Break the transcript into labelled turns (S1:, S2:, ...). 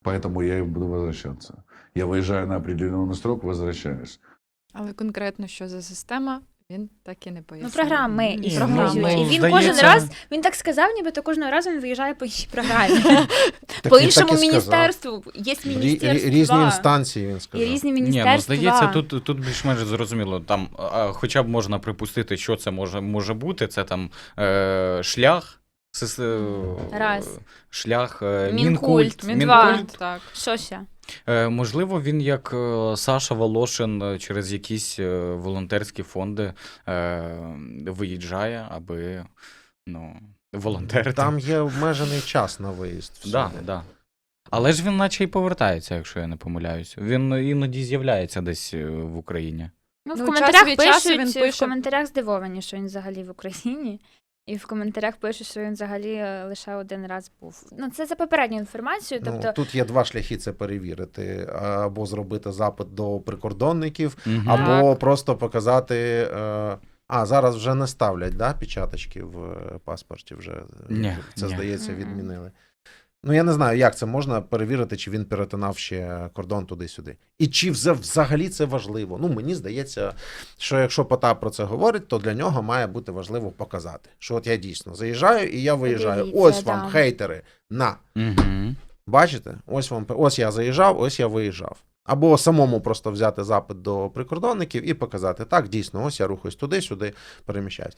S1: Поэтому я и буду возвращаться. Я выезжаю на определенный срок, возвращаюсь.
S2: Але конкретно що за система, він так і не
S3: Ну,
S2: пояснив.
S3: програми
S4: Ні,
S3: існують.
S4: ну,
S3: І він
S4: здається-
S3: кожен раз, він так сказав, нібито кожного разу він виїжджає по іншій програмі.
S5: Так
S3: По
S5: він
S3: іншому
S5: так і сказав.
S3: міністерству. Є міністерства.
S5: Різні інстанції, він
S3: І
S5: сказав.
S3: різні
S4: Ні, ну
S3: міністерства.
S4: здається, тут більш-менш зрозуміло. Там хоча б можна припустити, що це може бути. Це там шлях.
S3: Раз.
S4: Шлях
S3: Мінкульт.
S2: Мінкульт, так.
S3: Що ще?
S4: Можливо, він як Саша Волошин через якісь волонтерські фонди виїжджає, аби волонтерити.
S5: Там є обмежений час на виїзд.
S4: Да. Але ж він наче й повертається, якщо я не помиляюсь. Він іноді з'являється десь в Україні.
S3: Ну, в
S2: Ну,
S3: коментарях
S2: час від часу він
S3: пишуть,
S2: пише.
S3: в коментарях здивовані, що він взагалі в Україні. І в коментарях пишуть, що він взагалі лише один раз був. Ну, це за попередню інформацію. Тобто,
S5: Ну, тут є два шляхи це перевірити. Або зробити запит до прикордонників,
S4: Мгм.
S5: або просто показати... зараз вже не ставлять, да, печаточки в паспорті вже.
S4: Ні,
S5: Це,
S4: ні.
S5: здається,
S3: Мгм.
S5: відмінили. Ну, я не знаю, як це можна перевірити, чи він перетинав ще кордон туди-сюди. І чи взагалі це важливо. Ну, мені здається, що якщо Потап про це говорить, то для нього має бути важливо показати, що от я дійсно заїжджаю і я виїжджаю.
S3: Подивіться,
S5: Ось вам,
S3: да.
S5: хейтери, на.
S4: Мгм.
S5: Бачите? Ось я заїжджав, ось я виїжджав. Або самому просто взяти запит до прикордонників і показати, так, дійсно, ось я рухаюсь туди-сюди, переміщаюсь.